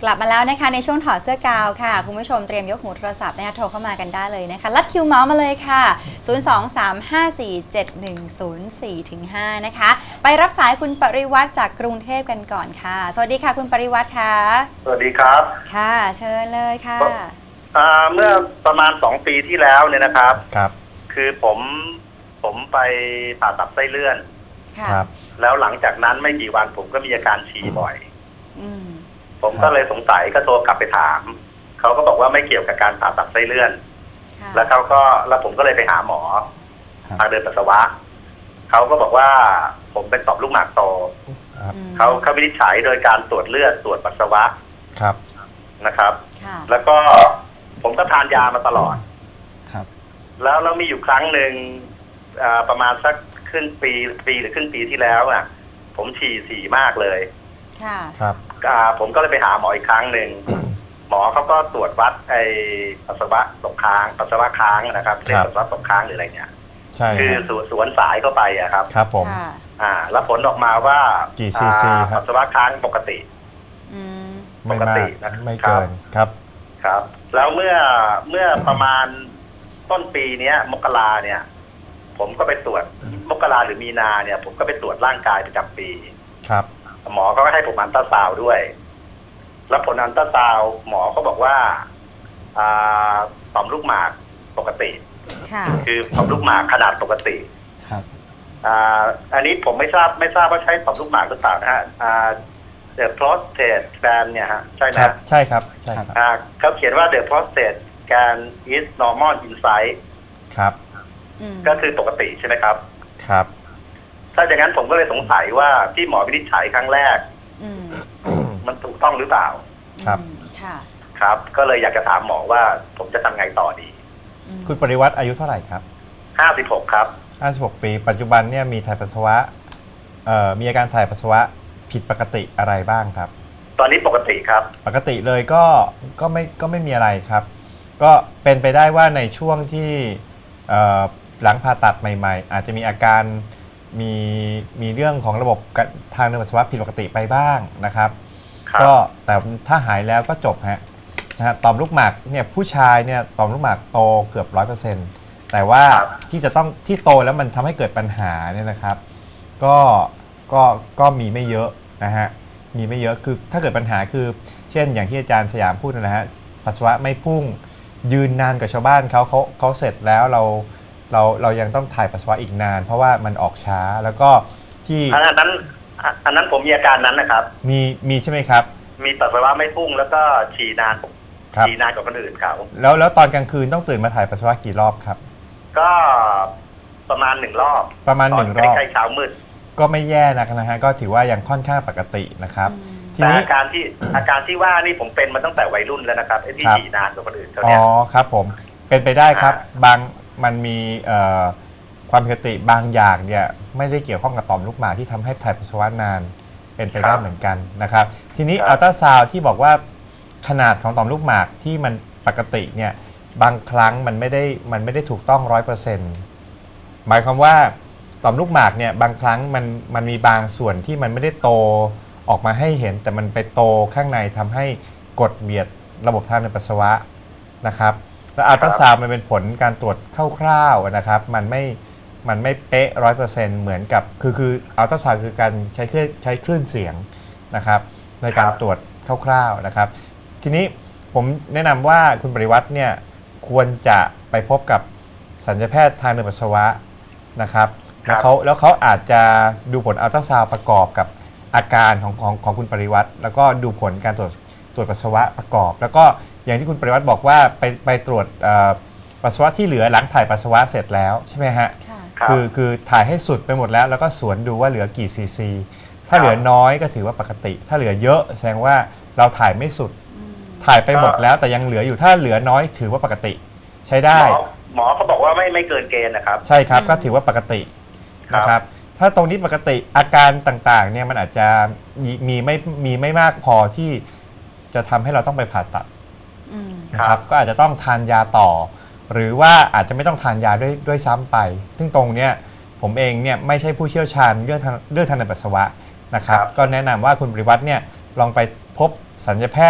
ลับมาแล้วนะคะในช่วงถอดเสื้อกาวค่ะคุณผู้ชมเตรียมยกหูโทรศัพท์นะคะโทรเข้ามากันได้เลยนะคะลัดคิวเมาส์มาเลยค่ะ023547104-5นะคะไปรับสายคุณปริวัติจากกรุงเทพกันก่อนค่ะสวัสดีค่ะคุณปริวัติค่ะสวัสดีครับค่ะเชิญเลยค่ะเมื่อประมาณ2 ปีที่แล้วเนี่ยนะครับครับคือผมไปผ่าตัดไส้เลื่อนครับแล้วหลังจากนั้นไม่กี่วันผมก็มีอาการฉี่บ่อยผมครัก็บเลยสงสัยก็โทรกลับไปถามเขาก็บอกว่าไม่เกี่ยวกับการผ่าตัดไส้เลื่อนแล้วผมก็เลยไปหาหมอทางเดินปัสสาวะเขาก็บอกว่าผมเป็นต่อมลูกหมากโตเขาวินิจฉัยโดยการตรวจเลือดตรวจปัสสาวะครับนะครับแล้วก็ผมก็ทานยามาตลอดครับแล้วมีอยู่ครั้งหนึ่งประมาณสักครึ่งปีหรือครึ่งปีที่แล้วอ่ะผมฉี่มากเลยครับผมก็เลยไปหาหมออีกครั้งหนึ่ง หมอเขาก็ตรวจวัดไอ้ปัสสาวะตกค้างปัสสาวะค้างนะครับเรียกปัสสาวะตกค้างหรืออะไรเนี่ยใช่คือสวนสายเข้าไปอะครับครับผมแล้วผลออกมาว่ากี่ซีซีครับปัสสาวะค้างปกติไม่มากไม่เกินครับแล้วเมื่อประมาณต้นปีนี้มกราเนี่ยผมก็ไปตรวจมกราหรือมีนาเนี่ยผมก็ไปตรวจร่างกายประจำปีครับหมอก็ให้ผมอัลตราซาวด์ด้วยแล้วผลอัลตราซาวด์หมอก็บอกว่าต่อมลูกหมากปกติคือต่อมลูกหมากขนาดปกติครับอันนี้ผมไม่ทราบว่าใช้ต่อมลูกหมากหรือเปล่านะฮะThe prostate gland เนี่ยฮะใช่ไหมครับใช่ครับใช่ครับเขาเขียนว่า The prostate gland is normal in size ครับก็คือปกติใช่ไหมครับครับถ้าอย่างนั้นผมก็เลยสงสัยว่าที่หมอวินิจฉัยครั้งแรกมันถูกต้องหรือเปล่าครับครับก็เลยอยากจะถามหมอว่าผมจะทำไงต่อดีคุณปริวัติอายุเท่าไหร่ครับ 56ครับ 56ปีปัจจุบันเนี่ยมีถ่ายปัสสาวะมีอาการถ่ายปัสสาวะผิดปกติอะไรบ้างครับตอนนี้ปกติครับปกติเลยก็ไม่มีอะไรครับก็เป็นไปได้ว่าในช่วงที่หลังผ่าตัดใหม่ๆอาจจะมีอาการมีเรื่องของระบบทางเดินปัสสาวะผิดปกติไปบ้างนะครับก็แต่ถ้าหายแล้วก็จบฮะต่อมลูกหมากเนี่ยผู้ชายเนี่ยต่อมลูกหมากโตเกือบ 100%แต่ว่าที่โตแล้วมันทำให้เกิดปัญหาเนี่ยนะครับก็มีไม่เยอะนะฮะมีไม่เยอะคือถ้าเกิดปัญหาคือเช่นอย่างที่อาจารย์สยามพูดนะฮะปัสสาวะไม่พุ่งยืนนานกว่าชาวบ้านเขาเสร็จแล้วเรายังต้องถ่ายปัสสาวะอีกนานเพราะว่ามันออกช้าแล้วก็ที่อันนั้นผมมีอาการนั้นนะครับมีใช่ไหมครับมีปัสสาวะไม่พุ่งแล้วก็ฉี่นานกว่าคนอื่นเขาแล้วตอนกลางคืนต้องตื่นมาถ่ายปัสสาวะกี่รอบครับก็ประมาณ1 รอบประมาณ1 รอบใกล้เช้ามืดก็ไม่แย่นะฮะก็ถือว่ายังค่อนข้างปกตินะครับทีนี้อาการที่ว่านี่ผมเป็นมาตั้งแต่วัยรุ่นแล้วนะครับไอ้ที่ฉี่นานกว่าคนอื่นเขาเนี่ยครับผมเป็นไปได้ครับมันมีความผิดปกติบางอย่างเนี่ยไม่ได้เกี่ยวข้องกับต่อมลูกหมากที่ทำให้ถ่ายปัสสาวะนานเป็นไปได้เหมือนกันนะครับทีนี้อัลตราซาวด์ที่บอกว่าขนาดของต่อมลูกหมากที่มันปกติเนี่ยบางครั้งมันไม่ได้ถูกต้อง 100% หมายความว่าต่อมลูกหมากเนี่ยบางครั้งมันมีบางส่วนที่มันไม่ได้โตออกมาให้เห็นแต่มันไปโตข้างในทำให้กดเบียดระบบทางเดินปัสสาวะนะครับแล้วอัลตราซาวด์มันเป็นผลการตรวจคร่าวๆนะครับมันไม่เป๊ะ 100% เหมือนกับคืออัลตราซาวด์คือการใช้คลื่นเสียงนะครับในการตรวจคร่าวๆนะครับทีนี้ผมแนะนำว่าคุณปริวัติเนี่ยควรจะไปพบกับศัลยแพทย์ทางเดินปัสสาวะนะครับแล้วเขาอาจจะดูผลอัลตราซาวด์ประกอบกับอาการของคุณปริวัติแล้วก็ดูผลการตรวจปัสสาวะประกอบแล้วก็อย่างที่คุณปริวัติบอกว่าไปตรวจปัสสาวะที่เหลือหลังถ่ายปัสสาวะเสร็จแล้วใช่ไหมฮะคือถ่ายให้สุดไปหมดแล้วก็สวนดูว่าเหลือกี่ซีซีถ้าเหลือน้อยก็ถือว่าปกติถ้าเหลือเยอะแสดงว่าเราถ่ายไม่สุดถ่ายไปหมดแล้วแต่ยังเหลืออยู่ถ้าเหลือน้อยถือว่าปกติใช้ได้หมอเขาบอกว่าไม่เกินเกณฑ์นะครับใช่ครับก็ถือว่าปกตินะครับถ้าตรงนี้ปกติอาการต่างๆเนี่ยมันอาจจะมีไม่มากพอที่จะทำให้เราต้องไปผ่าตัดนะครับก็อาจจะต้องทานยาต่อหรือว่าอาจจะไม่ต้องทานยาด้วยซ้ำไปซึ่งตรงเนี้ยผมเองเนี่ยไม่ใช่ผู้เชี่ยวชาญเรื่องทางเดินปัสสาวะนะครับก็แนะนำว่าคุณปริวัติเนี่ยลองไปพบศัลยแพทย์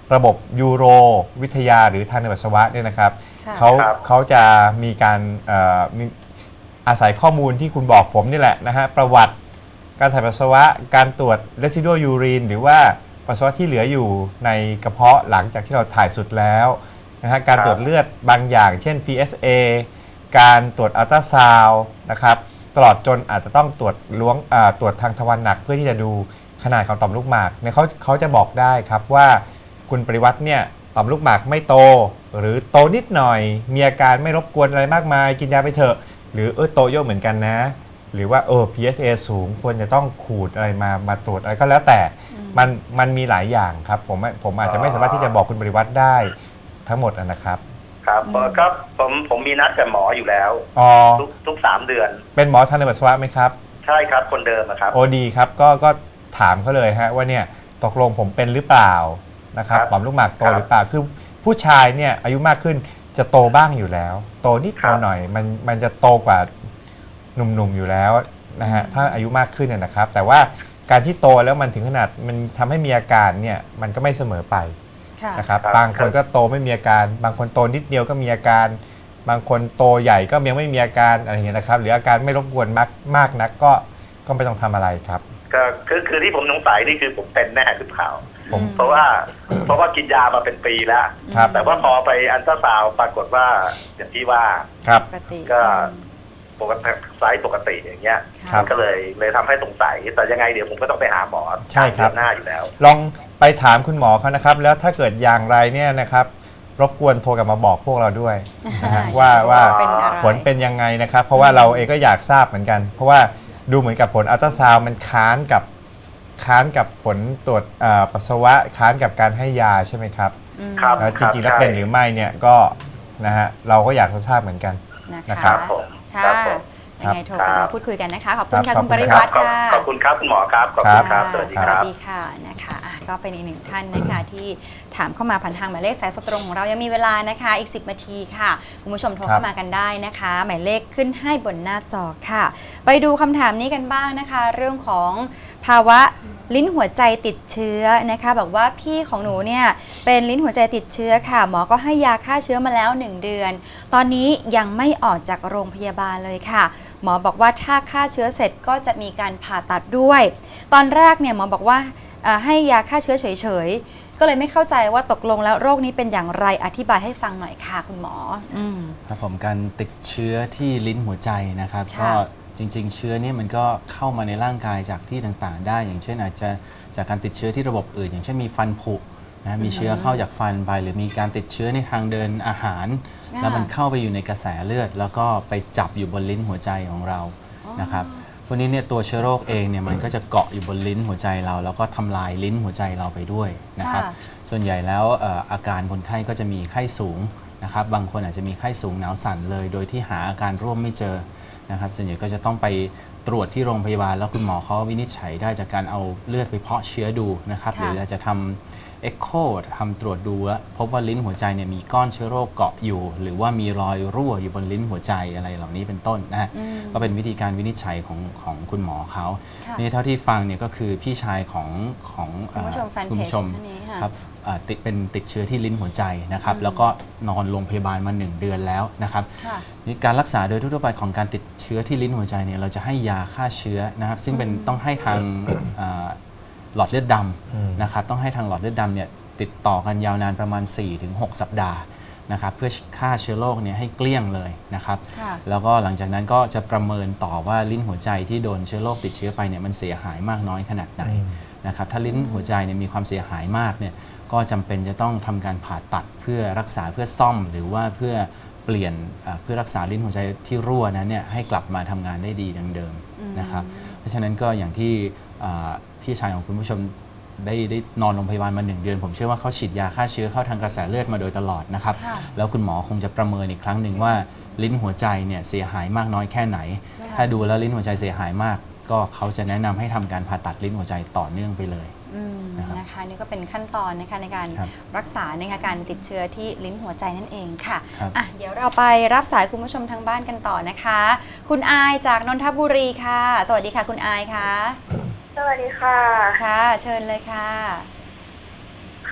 ระบบยูโรวิทยาหรือทางเดินปัสสาวะเนี่ยนะครับค่ะเขาจะมีการมีอาศัยข้อมูลที่คุณบอกผมนี่แหละนะฮะประวัติการถ่ายปัสสาวะการตรวจ residual urine หรือว่าปัสสาวะที่เหลืออยู่ในกระเพาะหลังจากที่เราถ่ายสุดแล้วนะฮะการตรวจเลือดบางอย่าง เช่น PSA การตรวจอัลตราซาวด์นะครับตลอดจนอาจจะต้องตรวจตรวจทางทวารหนักเพื่อที่จะดูขนาดของต่อมลูกหมากเนี่ยเขาจะบอกได้ครับว่าคุณปริวัติเนี่ยต่อมลูกหมากไม่โตหรือโตนิดหน่อยมีอาการไม่รบกวนอะไรมากมายกินยาไปเถอะหรือโตเยอะเหมือนกันนะหรือว่าPSA สูงควรจะต้องขูดอะไรมาตรวจอะไรก็แล้วแต่มันมีหลายอย่างครับผมอาจจะไม่สามารถที่จะบอกคุณปริวัติได้ทั้งหมดนะครับครับก็ผมมีนัดกับหมออยู่แล้วทุก3 เดือนเป็นหมอทางเดินปัสสาวะไหมครับใช่ครับคนเดิมนะครับโอ้ดีครับก็ถามเขาเลยฮะว่าเนี่ยตกลงผมเป็นหรือเปล่านะครับต่อมลูกหมากโตหรือเปล่าคือผู้ชายเนี่ยอายุมากขึ้นจะโตบ้างอยู่แล้วโตนิดหน่อยมันจะโตกว่าหนุ่มๆอยู่แล้วนะฮะถ้าอายุมากขึ้นนะครับแต่ว่าการที่โตแล้วมันถึงขนาดมันทำให้มีอาการเนี่ยมันก็ไม่เสมอไปนะครับบางคนก็โตไม่มีอาการบางคนโตนิดเดียวก็มีอาการบางคนโตใหญ่ก็ยังไม่มีอาการอะไรอย่างเงี้ยนะครับหรืออาการไม่รบกวนมากนักก็ไม่ต้องทำอะไรครับก็คือที่ผมสงสัยนี่คือผมเป็นแน่หรือเปล่าเพราะว่ากินยามาเป็นปีแล้วแต่ว่าพอไปอัลตราซาวด์ปรากฏว่าอย่างที่ว่าก็ปกติไซส์ปกติอย่างเงี้ยก็เลยทำให้สงสัยแต่ยังไงเดี๋ยวผมก็ต้องไปหาหมอใช่ครับหน้าอยู่แล้วลองไปถามคุณหมอเขานะครับแล้วถ้าเกิดอย่างไรเนี่ยนะครับรบกวนโทรกลับมาบอกพวกเราด้วยนะฮะว่าผลเป็นยังไงนะครับเพราะว่าเราเองก็อยากทราบเหมือนกันเพราะว่าดูเหมือนกับผลอัลตราซาวด์มันค้านกับผลตรวจปัสสาวะค้านกับการให้ยาใช่ไหมครับแล้วจริงๆแล้วเป็นหรือไม่เนี่ยก็นะฮะเราก็อยากจะทราบเหมือนกันนะครับค่ะยังไงโทรกันมาพูดคุยกันนะคะขอบคุณค่ะคุณปริวัติค่ะขอบคุณครับคุณหมอครับขอบคุณครับสวัสดีครับสวัสดีค่ะนะคะก็เป็นอีกหนึ่งท่านนะคะที่ถามเข้ามาผ่านทางหมายเลขสายสดตรงของเรายังมีเวลานะคะอีก10 นาทีค่ะคุณผู้ชมโทรเข้ามากันได้นะคะหมายเลขขึ้นให้บนหน้าจอค่ะ ไปดูคำถามนี้กันบ้างนะคะเรื่องของภาวะลิ้นหัวใจติดเชื้อนะคะบอกว่าพี่ของหนูเนี่ยเป็นลิ้นหัวใจติดเชื้อค่ะหมอก็ให้ยาฆ่าเชื้อมาแล้ว1 เดือนตอนนี้ยังไม่ออกจากโรงพยาบาลเลยค่ะหมอบอกว่าถ้าฆ่าเชื้อเสร็จก็จะมีการผ่าตัดด้วยตอนแรกเนี่ยหมอบอกว่าให้ยาฆ่าเชื้อเฉยๆก็เลยไม่เข้าใจว่าตกลงแล้วโรคนี้เป็นอย่างไรอธิบายให้ฟังหน่อยค่ะคุณหมอครับผมการติดเชื้อที่ลิ้นหัวใจนะครับก็จริงๆเชื้อนี้มันก็เข้ามาในร่างกายจากที่ต่างๆได้อย่างเช่นอาจจะจากการติดเชื้อที่ระบบอื่นอย่างเช่นมีฟันผุนะมีเชื้อเข้าจากฟันไปหรือมีการติดเชื้อในทางเดินอาหารแล้วมันเข้าไปอยู่ในกระแสเลือดแล้วก็ไปจับอยู่บนลิ้นหัวใจของเรานะครับพวกนี้เนี่ยตัวเชื้อโรคเองเนี่ยมันก็จะเกาะอยู่บนลิ้นหัวใจเราแล้วก็ทำลายลิ้นหัวใจเราไปด้วยนะครับส่วนใหญ่แล้วอาการคนไข้ก็จะมีไข้สูงนะครับบางคนอาจจะมีไข้สูงหนาวสั่นเลยโดยที่หาอาการร่วมไม่เจอนะครับส่วนใหญ่ก็จะต้องไปตรวจที่โรงพยาบาลแล้วคุณหมอเขาวินิจฉัยได้จากการเอาเลือดไปเพาะเชื้อดูนะครับหรืออาจจะทำเอ็กโคทำตรวจดูแล้วพบว่าลิ้นหัวใจเนี่ยมีก้อนเชื้อโรคเกาะอยู่หรือว่ามีรอยรั่วอยู่บนลิ้นหัวใจอะไรเหล่านี้เป็นต้นนะฮะก็เป็นวิธีการวินิจฉัยของคุณหมอเขานี่เท่าที่ฟังเนี่ยก็คือพี่ชายของคุณผู้ชมครับติดเชื้อที่ลิ้นหัวใจนะครับแล้วก็นอนโรงพยาบาลมา1 เดือนแล้วนะครับนี่การรักษาโดยทั่วไปของการติดเชื้อที่ลิ้นหัวใจเนี่ยเราจะให้ยาฆ่าเชื้อนะครับซึ่งเป็นต้องให้ทางหลอดเลือดดำนะครับต้องให้ทางหลอดเลือดดำเนี่ยติดต่อกันยาวนานประมาณ 4-6 สัปดาห์นะครับเพื่อฆ่าเชื้อโรคเนี่ยให้เกลี้ยงเลยนะครับแล้วก็หลังจากนั้นก็จะประเมินต่อว่าลิ้นหัวใจที่โดนเชื้อโรคติดเชื้อไปเนี่ยมันเสียหายมากน้อยขนาดไหนนะครับถ้าลิ้นหัวใจเนี่ยมีความเสียหายมากเนี่ยก็จำเป็นจะต้องทำการผ่าตัดเพื่อรักษาเพื่อซ่อมหรือว่าเพื่อเปลี่ยนเพื่อรักษาลิ้นหัวใจที่รั่วนั้นเนี่ยให้กลับมาทำงานได้ดีดังเดิมนะครับเพราะฉะนั้นก็อย่างที่พี่ชายของคุณผู้ชมได้นอนโรงพยาบาลมา1 เดือนผมเชื่อว่าเขาฉีดยาฆ่าเชื้อเข้าทางกระแสเลือดมาโดยตลอดนะครับแล้วคุณหมอคงจะประเมินอีกครั้งหนึ่งว่าลิ้นหัวใจเนี่ยเสียหายมากน้อยแค่ไหนถ้าดูแล้วลิ้นหัวใจเสียหายมากก็เขาจะแนะนำให้ทำการผ่าตัดลิ้นหัวใจต่อเนื่องไปเลยนะคะนี่ก็เป็นขั้นตอนนะคะในการรักษาในการติดเชื้อที่ลิ้นหัวใจนั่นเองค่ะเดี๋ยวเราไปรับสายคุณผู้ชมทางบ้านกันต่อนะคะคุณอายจากนนทบุรีค่ะสวัสดีค่ะคุณอายค่ะสวัสดีค่ะค่ะเชิญเลยค่ะ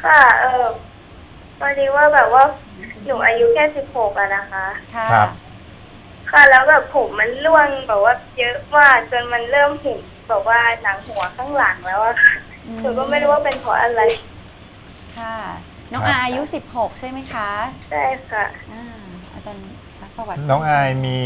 ค่ะพอดีว่าแบบว่าหนูอายุแค่16อะนะคะค่ะครับค่ะแล้วแบบผมมันร่วงแบบว่าเยอะมากจนมันเริ่มเห็นแบบว่าหนังหัวข้างหลังแล้วอะค่ะหนูก็ไม่รู้ว่าเป็นเพราะอะไรค่ะ น้องครับอายุ16ใช่ไหมคะใช่ค่ะอาจารย์ซักประวัติน้องอาย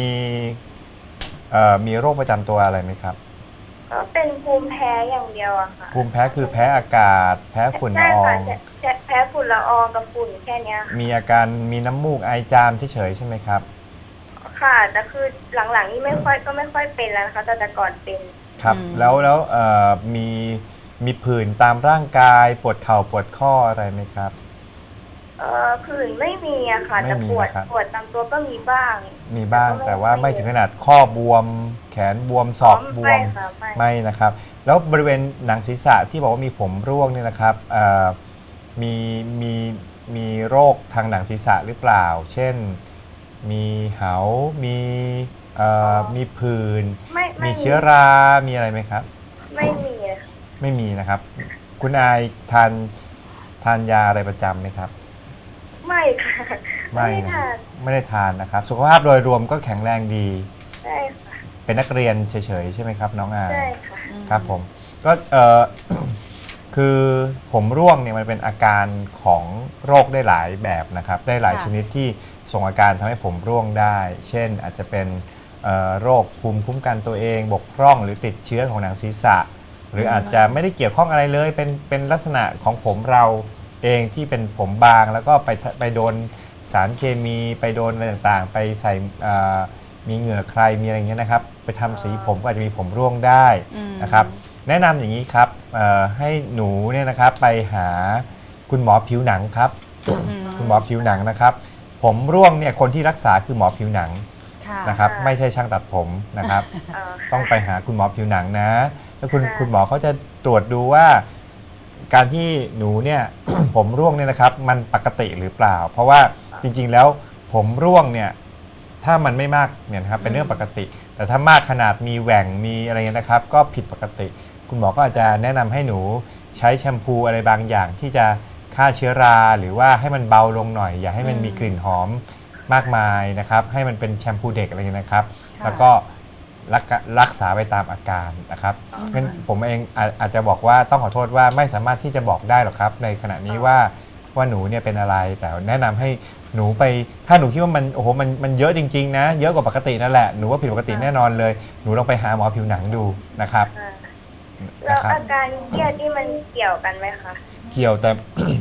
มีโรคประจำตัวอะไรไหมครับก็เป็นภูมิแพ้อย่างเดียวอะค่ะภูมิแพ้คือแพ้อากาศ แพ้ฝุ่นใช่ละออค่ะงแพ้ฝุ่นละอองกับฝุ่นแค่เนี้ยมีอาการมีน้ำมูกไอจามเฉยๆใช่ไหมครับค่ะแต่คือหลังๆนี่ไม่ค่อยเป็นแล้วนะคะแต่ก่อนเป็นครับแล้วมีผื่นตามร่างกายปวดเข่าปวดข้ออะไรไหมครับผื่นไม่มีอะค่ะไม่แต่มีปวดนะครับปวดตามตัวก็มีบ้างมีบ้างแต่ว่าไม่ถึงขนาดข้อบวม แขนบวมศอกบวมไม่ค่ะไม่ไม่นะครับ แล้วบริเวณหนังศีรษะที่บอกว่ามีผมร่วงเนี่ยนะครับมีมีมีโรคทางหนังศีรษะหรือเปล่า เช่นมีเหามีผื่นไม่มีเชื้อรามีอะไรไหมครับไม่มีอะค่ะไม่มีนะครับ คุณอายทานยาอะไรประจำไหมครับไม่ค่ะไม่ด้นะทานไม่ได้ทานนะครับ สุขภาพโดยรวมก็แข็งแรงดีใช่ค่ะเป็นนักเรียนเฉยๆใช่ไหมครับน้องอายใช่ค่ะครับผมก็คือผมร่วงเนี่ยมันเป็นอาการของโรคได้หลายแบบนะครับได้หลายค่ะชนิดที่ส่งอาการทำให้ผมร่วงได้ เช่นอาจจะเป็นโรคภูมิคุ้มกันตัวเองบกพร่องหรือติดเชื้อของหนังศีรษะ หรืออาจจะไม่ได้เกี่ยวข้องอะไรเลยเป็นลักษณะของผมเราเองที่เป็นผมบางแล้วก็ไปโดนสารเคมีไปโดนอะไรต่างๆ ไปใส่มีเหงื่อใครมีอะไรอย่างเงี้ยนะครับไปทำสีผมก็อาจจะมีผมร่วงได้นะครับแนะนำอย่างนี้ครับให้หนูเนี่ยนะครับไปหาคุณหมอผิวหนังครับ คุณหมอผิวหนังนะครับ ผมร่วงเนี่ยคนที่รักษาคือหมอผิวหนังค่ะนะครับค่ะไม่ใช่ช่างตัดผมนะครับ ต้องไปหาคุณหมอผิวหนังนะ แล้วคุณหมอเขาจะตรวจดูว่าการที่หนูเนี่ย ผมร่วงเนี่ยนะครับ มันปกติหรือเปล่า เพราะว่าจริงๆแล้วผมร่วงเนี่ยถ้ามันไม่มากเนี่ยนะครับเป็นเรื่องปกติ แต่ถ้ามากขนาดมีแหว่งมีอะไรเงี้ยนะครับ ก็ผิดปกติ คุณหมอก็อาจจะแนะนำให้หนูใช้แชมพูอะไรบางอย่างที่จะฆ่าเชื้อราหรือว่าให้มันเบาลงหน่อย อย่าให้มันมีกลิ่นหอมมากมายนะครับ ให้มันเป็นแชมพูเด็กอะไรเงี้ยนะครับ แล้วก็รักษาไปตามอาการนะครับงั้นผมเองอาจจะบอกว่าต้องขอโทษว่าไม่สามารถที่จะบอกได้หรอกครับ ในขณะนี้ว่าหนูเนี่ยเป็นอะไร แต่แนะนำให้หนูไปถ้าหนูคิดว่ามันโอ้โหมันเยอะจริงๆนะเยอะกว่าปกตินั่นแหละหนูว่าผิดปกติแน่นอนเลยหนูลองไปหาหมอผิวหนังดูนะครับแล้วอาการเครียดนี่มันเกี่ยวกันไหมคะเกี่ยวแต่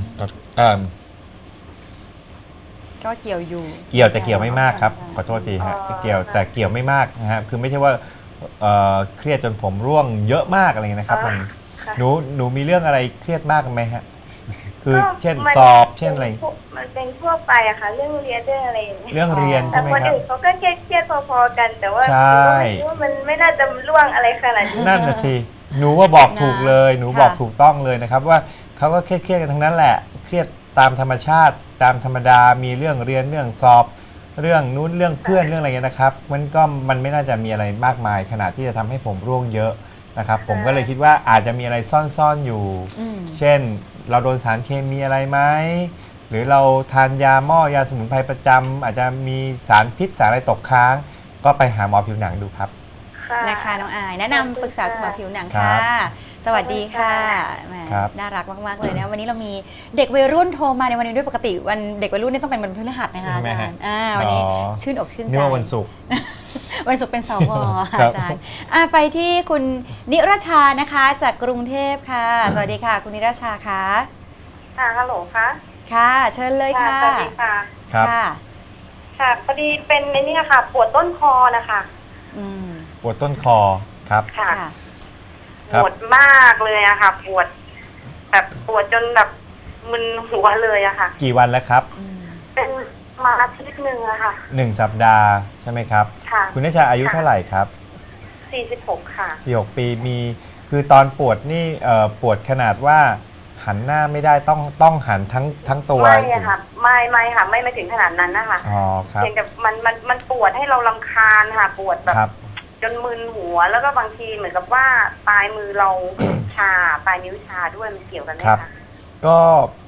ก็เกี่ยวอยู่เกี่ยวแต่เกี่ยวไม่มากครับขอโทษทีฮะเกี่ยวแต่เกี่ยวไม่มากนะครับคือไม่ใช่ว่าเครียดจนผมร่วงเยอะมากอะไรเงี้ยนะครับมันค่ะหนูมีเรื่องอะไรเครียดมากไหมฮะคือก็เช่นมันสอบเช่นอะไรมันเป็นทั่วไปอะค่ะเรื่องเรียนเรื่องอะไรอย่างเงี้ยเรื่องเรียนแต่ใช่ไหมคนครับอื่นเขาก็เครียดพอๆกัน แต่ว่าใช่หนูก็ไม่คิดว่ามันไม่น่าจะล่วงอะไรขนาดนี้นั่นน่ะสิหนูว่าบอกถูกเลยหนูค่ะบอกถูกต้องเลยนะครับว่าเขาก็เครียดกันทั้งนั้นแหละเครียดตามธรรมชาติตามธรรมดามีเรื่องเรียนเรื่องสอบ เรื่องนู้นเรื่องเพื่อนเรื่องอะไรเงี้ยนะครับมันไม่น่าจะมีอะไรมากมายขนาดที่จะทำให้ผมร่วงเยอะนะครับผมก็เลยคิดว่าอาจจะมีอะไรซ่อนๆอยู่ เช่นเราโดนสารเคมีอะไรไหมหรือเราทานยาหม้อยาสมุนไพรประจำอาจจะมีสารพิษสารอะไรตกค้าง ก็ไปหาหมอผิวหนังดูครับนะคะน้องอายแนะนำปรึกษาคุณหมอผิวหนังครัค่ะบสวัสดีค่ะแหมครับน่ารักมากๆเลยนะวันนี้เรามีเด็กวัยรุ่นโทรมาในวันนี้ด้วยปกติวันเด็กวัยรุ่นนี่ต้องเป็นวันพฤหัสนะคะอาจารย์วันนี้ชื่นอกชื่นใจนี่ว่าวันศุกร์วันศุกร์เป็นสวครัอาบจารย์ไปที่คุณนิรชานะคะจากกรุงเทพค่ะ สวัสดีค่ะ คุณนิรชาคะค่ะฮัลโหลคะค่ะ เชิญเลยค่ะสวัสดีค่ะครับค่ะค่ะพอดีเป็นในนี่ค่ะ ปวดต้นคอนะคะอืมปวดต้นคอครับค่ะค่ะครับปวดมากเลยอะค่ะ ปวดแบบปวดจนแบบมึนหัวเลยอะค่ะกี่วันแล้วครับเป็นมาอาทิตย์หนึ่งอะค่ะ 1 สัปดาห์ใช่ไหมครับค่ะคุณนิชาอายุเท่าไหร่ครับ 46 ค่ะ 46 ปีมีคือตอนปวดนี่ปวดขนาดว่าหันหน้าไม่ได้ต้องหันทั้งตัวไม่อะค่ะไม่ค่ะ ไม่ถึงขนาดนั้นนะคะอ๋อครับเพียงแต่มันปวดให้เรารำคาญค่ะ ปวดแบบครับจนมึนหัวแล้วก็บางทีเหมือนกับว่าปลายมือเรา ชาปลายนิ้วชาด้วยมันเกี่ยวกันไหมครับคะก็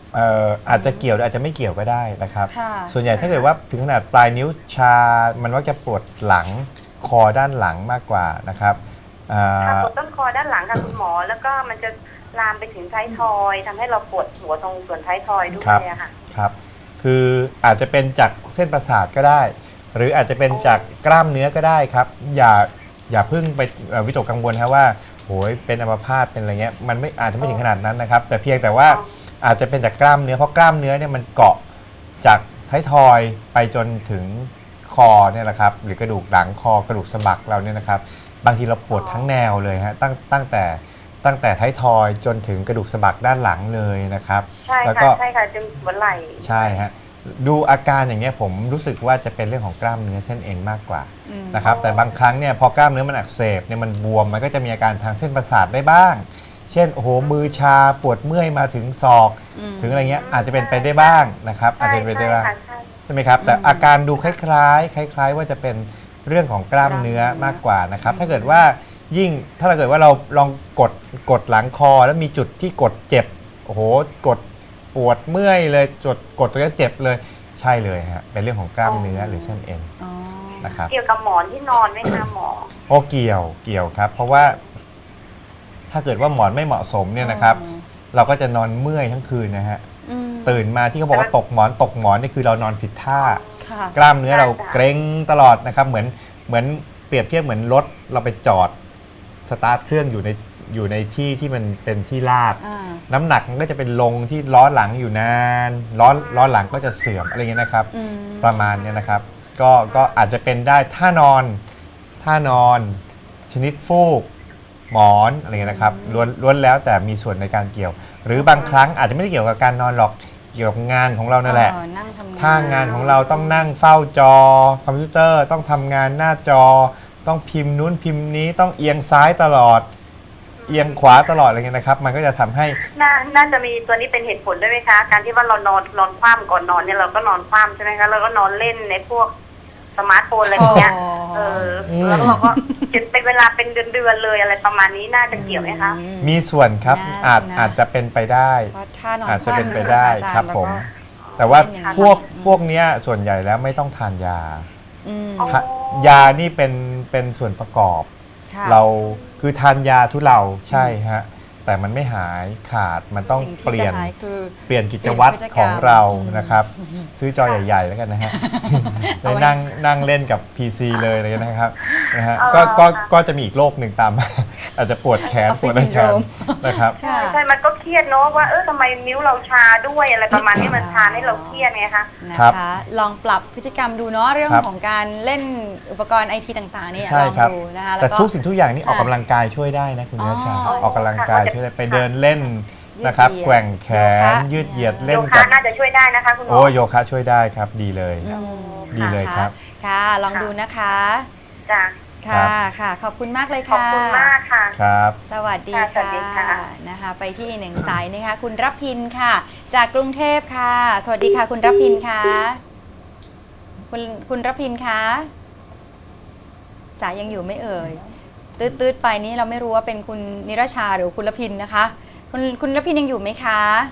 อาจจะเกี่ยวหรืออาจจะไม่เกี่ยวก็ได้นะครับค่ะส่วนใหญ่ถ้าเกิดว่าถึงขนาดปลายนิ้วชา มันมักจะปวดหลังคอด้านหลังมากกว่านะครับค่ะปวดต้นคอด้านหลังค่ะคุณหมอ แล้วก็มันจะลามไปถึงท้ายทอยทำให้เราปวดหัวตรงส่วนท้ายทอยด้วยอะค่ะครับ คืออาจจะเป็นจากเส้นประสาทก็ได้ หรืออาจจะเป็นจากกล้ามเนื้อก็ได้ครับ อย่าเพิ่งไปวิตกกังวลครับว่าโอ้ยเป็นอัมพาตเป็นอะไรเงี้ยมันไม่อาจจะไม่ถึงขนาดนั้นนะครับ แต่เพียงแต่ว่าอาจจะเป็นจากกล้ามเนื้อเพราะกล้ามเนื้อเนี่ยมันเกาะจากท้ายทอยไปจนถึงคอเนี่ยแหละครับหรือกระดูกหลังคอกระดูกสะบักเราเนี่ยนะครับ บางทีเราปวดทั้งแนวเลยฮะตั้งแต่ท้ายทอยจนถึงกระดูกสะบักด้านหลังเลยนะครับใช่แล้วค่ะก็ใช่ค่ะจึงหัวไหล่ใช่ฮะดูอาการอย่างเงี้ยผมรู้สึกว่าจะเป็นเรื่องของกล้ามเนื้อเส้นเอ็นมากกว่านะครับแต่บางครั้งเนี่ยพอกล้ามเนื้อมันอักเสบเนี่ยมันบวมมันก็จะมีอาการทางเส้นประสาทได้บ้าง เช่นโอ้โหมือชาปวดเมื่อยมาถึงศอกถึงอะไรเงี้ยอาจจะเป็นไปได้บ้างนะครับอาจจะเป็นไปได้บ้าง ใช่ไหมครับแต่อาการดูคล้ายๆว่าจะเป็นเรื่องของกล้ามเนื้อมากกว่านะครับถ้าเกิดว่ายิ่งถ้าเกิดว่าเราลองกดหลังคอแล้วมีจุดที่กดเจ็บโอ้โหกดปวดเมื่อยเลยกดตรงนี้เจ็บเลยใช่เลยฮะเป็นเรื่องของกล้ามเนื้อหรือเส้นเอ็นอ๋อนะครับเกี่ยวกับหมอนที่นอนไหมคะหมอโอ้เกี่ยวครับเพราะว่าถ้าเกิดว่าหมอนไม่เหมาะสมเนี่ยนะครับเราก็จะนอนเมื่อยทั้งคืนนะฮะอืมตื่นมาที่เขาบอกว่าตกหมอนนี่คือเรานอนผิดท่าค่ะกล้ามเนื้อเราเกร็งตลอดนะครับเหมือนเปรียบเทียบเหมือนรถเราไปจอดสตาร์ทเครื่องอยู่ในที่ที่มันเป็นที่ลาดอ่าน้ำหนักมันก็จะเป็นลงที่ล้อหลังอยู่นานล้อหลังก็จะเสื่อมอะไรเงี้ยนะครับอืมประมาณเนี้ยนะครับก็อาจจะเป็นได้ท่านอนชนิดฟูกหมอนอะไรเงี้ยนะครับล้วนแล้วแต่มีส่วนในการเกี่ยว หรือบางครั้งอาจจะไม่ได้เกี่ยวกับการนอนหรอกเกี่ยวกับงานของเรานั่นแหละนั่งทำงานถ้างานของเราต้องนั่งเฝ้าจอคอมพิวเตอร์ต้องทำงานหน้าจอ ต้องพิมพ์นู้นพิมพ์นี้ต้องเอียงซ้ายตลอด เอียงขวาตลอดอะไรเงี้ยนะครับ มันก็จะทำให้น่าจะมีตัวนี้เป็นเหตุผลด้วยไหมคะ การที่ว่าเรานอนคว่ำก่อนนอนเนี่ยเราก็นอนคว่ำใช่ไหมคะเราก็นอนเล่นในพวกสมาร์ทโฟนอะไรอย่างเงี้ยแล้วเราก็เป็นเวลาเป็นเดือนเลยอะไรประมาณนี้น่าจะเกี่ยวไหมคะมีส่วนครับอาจจะเป็นไปได้เพราะท่านอนอาจจะเป็นไปคว่ำได้ใช่หมครับอาจาย์ผมแล้วก็แต่ว่าเล่นอย่างนั้นพวกเนี้ยส่วนใหญ่แล้วไม่ต้องทานยาอืมอ๋อยานี่เป็นส่วนประกอบค่ะเราคือทานยาทุเลาใช่ฮะแต่มันไม่หายขาดมันต้องสิ่ที่เปลี่ยนจะหายคือเปลี่ยนกิจวัตรเปลี่ยนพฤติกรรมของเราอืมนะครับ ซื้อจอใหญ่ๆแล้วกันนะฮะ ได้นั่งเล่นกับ PC เลยเลยนะครับนะฮะก็จะมีอีกโรคหนึ่งตามมา อาจจะปวดแขน Office ปวดอะไรแขน syndrome นะครับค่ะใช่มันก็เครียดเนาะว่าทำไมนิ้วเราชาด้วยอะไรประมาณนี้มันชาให้เราเครียดไงคะครับนะคะลองปรับพฤติกรรมดูเนาะเรื่องครับของการเล่นอุปกรณ์ไอทีต่างๆเนี่ยใช่ลองครับดูนะคะแต่แล้วก็ทุกสิ่งทุกอย่างนี่ออกค่ะกำลังกายช่วยได้นะคุณเนื้อชาอ๋อออกกำลังกายช่วยได้ไปเดินเล่นยืดนะครับเหยียดแกว่งแขนโยคะยืดเหยียดเนี่ยเล่โยนคะกับน่าจะช่วยได้นะคะคุณหมอโอ้โยคะช่วยได้ครับดีเลยอืมดีเลยครับค่ะ ลองดูนะคะจ้ะค่ะค่ะ ขอบคุณมากเลยขอบค่ะคุณมากค่ะครับสวัสดีค่ะสวัสดีค่ะนะคะ ไปที่อีกหนึ่งสายนะคะ คุณรับพินค่ะ จากกรุงเทพค่ะ สวัสดีค่ะ คุณรับพินค่ะคุณรับพินคะสายยังอยู่ไม่เอ่ยตืดๆไปนี้เราไม่รู้ว่าเป็นคุณนิรชาหรือคุณรพินนะคะ คุณรพินยังอยู่ไหมคะ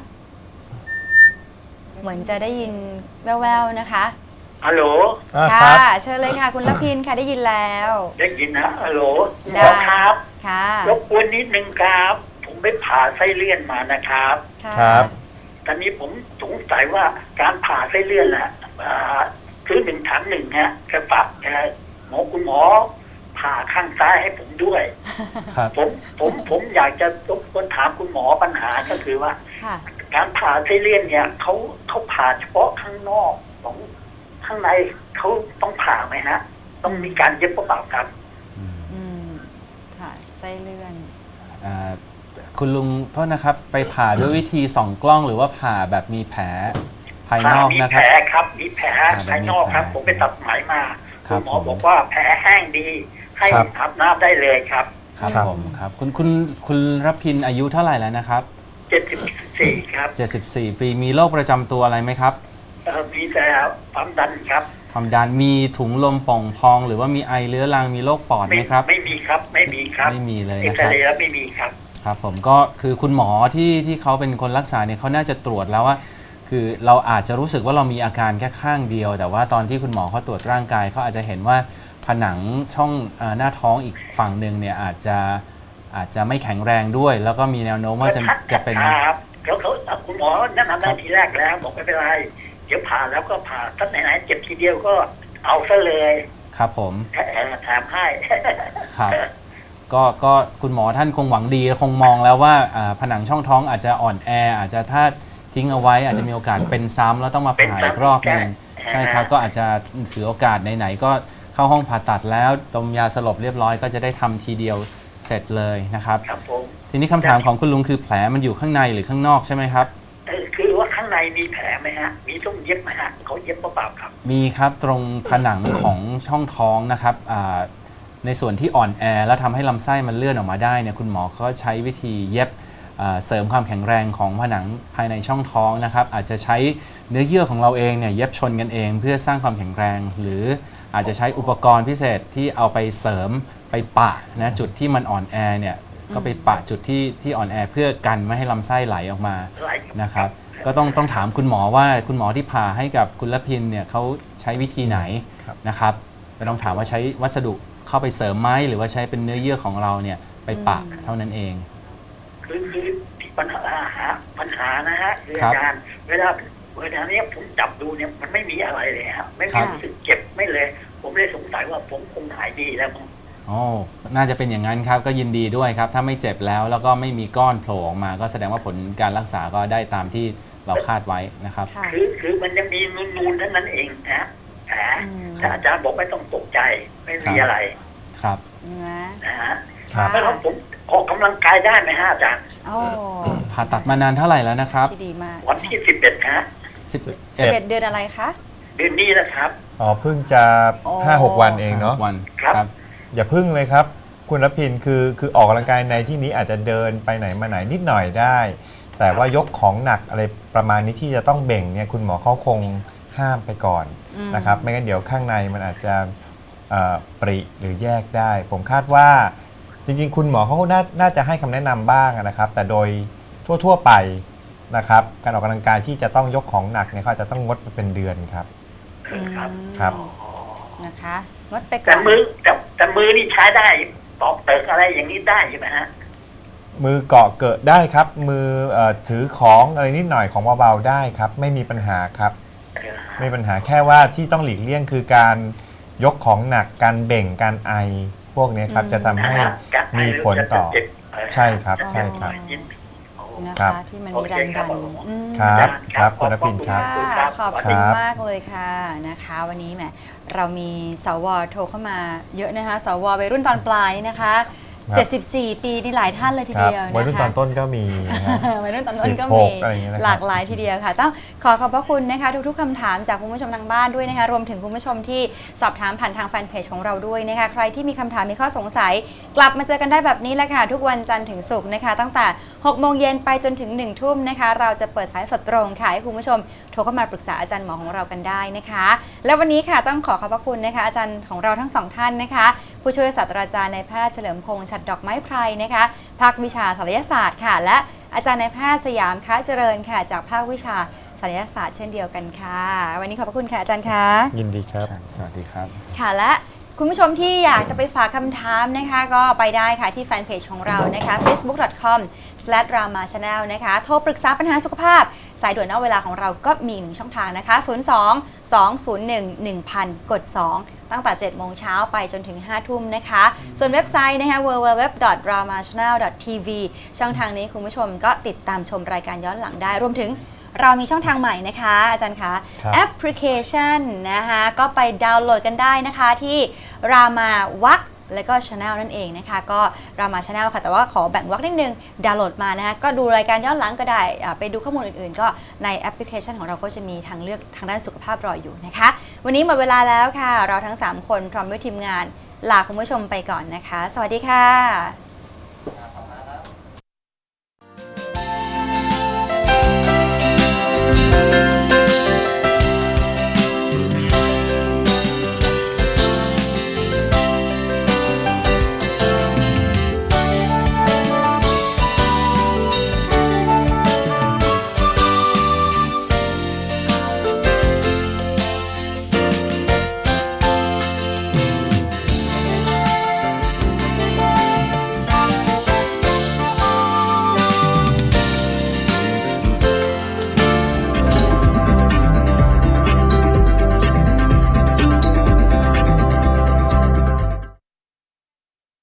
เหมือนจะได้ยินแว่วๆนะคะฮัลโหลค่ะครับเชิญเลยค่ะ คุณรพินค่ะได้ยินแล้วได้ยินนะฮัลโหลหมได้อครับค่ะรบกวนนิดนึงครับ ผมไปผ่าไส้เลื่อนมานะครับค่ะครับตอนนี้ผมสงสัยว่าการผ่าไส้เลื่อนน่ะคือ1 ถัง 1ฮะแค่ฝากคุณหมอผ่าข้างซ้ายให้ผมด้วยครับผมอยากจะรบกวนถามคุณหมอปัญหาก็คือว่าค่ะการผ่าไส้เลื่อนเนี่ยเขาผ่าเฉพาะข้างนอกของข้างในเขาต้องผ่าไหมฮะ ต้องมีการเย็บหรือเปล่าครับอืมค่ะไส้เลื่อนอ่าคุณลุงโทษนะครับ ไปผ่าด้วยวิธีส่องกล้องหรือว่าผ่าแบบมีแผลภายนอกมีนะคแผรับลครับ มีแผลแบบภายนอกครับมีแผลผมไปตัดไหมมาครัคุบณหมอผมบอกว่าแผลแห้งดี ให้ครับอาบน้ำได้เลยครับครับครับผมครับคุณรพินอายุเท่าไหร่แล้วนะครับ 74ครับ 74 ปีมีโรคประจำตัวอะไรไหมครับมีแต่ความดันครับความดันมีถุงลมป่องพอง หรือว่ามีไอเรื้อรังมีโรคปอดไหมครับไม่มีครับ ไม่มีครับไม่มีเลยเอ็กนะซครับเรย์แล้วไม่มีครับครับผมก็คือคุณหมอที่เขาเป็นคนรักษาเนี่ยเขาน่าจะตรวจแล้วว่า คือเราอาจจะรู้สึกว่าเรามีอาการแค่ข้างเดียว แต่ว่าตอนที่คุณหมอเขาตรวจร่างกายเขาอาจจะเห็นว่าผนังช่องหน้าท้องอีกฝั่งหนึ่งเนี่ยอาจจะไม่แข็งแรงด้วย แล้วก็มีแนวโน้มว่าจะเป็นครับเขาคุณหมอแนะนำได้ทีแรกแล้วบอกไม่เป็นไรเดี๋ยวผ่าแล้วก็ผ่าถ้าไหนๆเจ็บทีเดียวก็เอาซะเลยครับผมแถมให้ครับก็คุณหมอท่านคงหวังดีคงมองแล้วว่าผนังช่องท้องอาจจะอ่อนแออาจจะถ้าทิ้งเอาไว้อาจจะมีโอกาสเป็นซ้ำแล้วต้องมาผ่าอีกรอบหนึ่งใช่ครับก็อาจจะถือโอกาสไหนๆก็เข้าห้องผ่าตัดแล้วดมยาสลบเรียบร้อยก็จะได้ทำทีเดียวเสร็จเลยนะครับครับผมทีนี้คำถามของคุณลุงคือแผลมันอยู่ข้างในหรือข้างนอกใช่ไหมครับคือว่าข้างในมีแผลไหมฮะมีต้องเย็บไหมฮะเขาเย็บเปล่าๆครับมีครับตรงผนังของช่องท้องนะครับในส่วนที่อ่อนแอแล้วทำให้ลำไส้มันเลื่อนออกมาได้เนี่ยคุณหมอก็ใช้วิธีเย็บเสริมความแข็งแรงของผนังภายในช่องท้องนะครับอาจจะใช้เนื้อเยื่อของเราเองเนี่ยเย็บชนกันเองเพื่อสร้างความแข็งแรง หรืออาจจะใช้อุปกรณ์พิเศษที่เอาไปเสริมไปปะนะจุดที่มันอ่อนแอเนี่ยก็ไปปะจุดที่อ่อนแอเพื่อกันไม่ให้ลำไส้ไหลออกมานะครับก็ต้องถามคุณหมอว่าคุณหมอที่ผ่าให้กับคุณละพินเนี่ยเขาใช้วิธีไหนนะครับก็ต้องถามว่าใช้วัสดุเข้าไปเสริมไหมหรือว่าใช้เป็นเนื้อเยื่อของเราเนี่ยไปปะเท่านั้นเองคือที่ปัญหานะฮะคืออาจารย์เวลานี้ผมจับดูเนี่ยมันไม่มีอะไรเลยครับไม่มีรู้สึกเจ็บไม่เลยผมเลยสงสัยว่าผมคงหายดีแล้วอ๋อน่าจะเป็นอย่างนั้นครับก็ยินดีด้วยครับถ้าไม่เจ็บแล้วก็ไม่มีก้อนโผล่ออกมาก็แสดงว่าผลการรักษาก็ได้ตามที่เราคาดไว้นะครับคือมันยังมีนูนๆเท่านั้นเองนะแต่อาจารย์บอกไม่ต้องตกใจไม่มีอะไรครับนะฮะแล้วผมออกกำลังกายได้ไหมฮะอาจารย์ผ่าตัดมานานเท่าไหร่แล้วนะครับที่ดีมากวันที่11ฮะ 11เดือนอะไรคะเดือนนี้นะครับอ๋อเพิ่งจะ 5-6 วันเองเนาะวันครับอย่าพึ่งเลยครับคุณรพินคือออกกำลังกายในที่นี้อาจจะเดินไปไหนมาไหนนิดหน่อยได้ แต่ว่ายกของหนักอะไรประมาณนี้ที่จะต้องเบ่งเนี่ยคุณหมอเขาคงห้ามไปก่อนนะครับไม่งั้นเดี๋ยวข้างในมันอาจจะปริหรือแยกได้ผมคาดว่าจริงๆคุณหมอเขาน่าจะให้คำแนะนำบ้างนะครับแต่โดยทั่วๆไปนะครับการออกกำลังกายที่จะต้องยกของหนักเนี่ยเขาอาจจะต้องงดไปเป็นเดือนครับครับนะคะงดไปก่อนแต่มือนี่ใช้ได้ตอกเติกอะไรอย่างนี้ได้ใช่ไหมฮะมือเกาะเกิดได้ครับมือถือของอะไรนิดหน่อยของเบาๆได้ครับไม่มีปัญหาครับไม่มีปัญหาแค่ว่าที่ต้องหลีกเลี่ยงคือการยกของหนักการเบ่งการไอพวกนี้ครับจะทำให้มีผลต่อใช่ครับใช่ครับนะคะที่มันมีแรงดันครับคุณรพินครับขอบคุณมากเลยค่ะนะคะวันนี้แหมเรามีสวโทรเข้ามาเยอะนะคะสววัยรุ่นตอนปลายนี่นะคะ74 ปีนี่หลายท่านเลยทีเดียวนะคะวัยรุ่นตอนต้นก็มีวัยรุ่นตอนต้นก็มีหลากหลายทีเดียวค่ะต้องขอบพระคุณนะคะทุกๆคำถามจากคุณผู้ชมทางบ้านด้วยนะคะรวมถึงคุณผู้ชมที่สอบถามผ่านทางแฟนเพจของเราด้วยนะคะใครที่มีคำถามมีข้อสงสัยกลับมาเจอกันได้แบบนี้แหละค่ะทุกวันจันทร์ถึงศุกร์นะคะตั้งแต่6 โมงเย็นไปจนถึง1 ทุ่มนะคะเราจะเปิดสายสดตรงค่ะให้คุณผู้ชมโทรเข้ามาปรึกษาอาจารย์หมอของเรากันได้นะคะและวันนี้ค่ะต้องขอบพระคุณนะคะอาจารย์ของเราทั้งสองท่านนะคะผู้ช่วยศาสตราจารย์นายแพทย์เฉลิมพงษ์ฉัตรดอกไม้ไพรนะคะภาควิชาศัลยศาสตร์ค่ะและอาจารย์นายแพทย์สยามค้าเจริญค่ะจากภาควิชาศัลยศาสตร์เช่นเดียวกันค่ะวันนี้ขอบพระคุณค่ะอาจารย์คะยินดีครับสวัสดีครับค่ะและคุณผู้ชมที่อยากจะไปฝากคำถามนะคะก็ไปได้ค่ะที่แฟนเพจของเรานะคะ facebook.com/ramachannel นะคะโทรปรึกษาปัญหาสุขภาพสายด่วนนอกเวลาของเราก็มี1ช่องทางนะคะ02-201-1000 กด 2ตั้งแต่ 7 โมงเช้าไปจนถึง 5 ทุ่มนะคะส่วนเว็บไซต์นะคะ www.ramachannel.tv ช่องทางนี้คุณผู้ชมก็ติดตามชมรายการย้อนหลังได้รวมถึงเรามีช่องทางใหม่นะคะอาจารย์คะแอปพลิเคชันนะคะก็ไปดาวน์โหลดกันได้นะคะที่รามาวักและก็ Channel นั่นเองนะคะก็รามา Channel ค่ะแต่ว่าขอแบ่งวักนิดนึงดาวน์โหลดมานะคะก็ดูรายการย้อนหลังก็ได้ไปดูข้อมูลอื่นๆก็ในแอปพลิเคชันของเราก็จะมีทางเลือกทางด้านสุขภาพรออยู่นะคะวันนี้หมดเวลาแล้วค่ะเราทั้ง3คนพร้อมด้วยทีมงานลาคุณผู้ชมไปก่อนนะคะสวัสดีค่ะ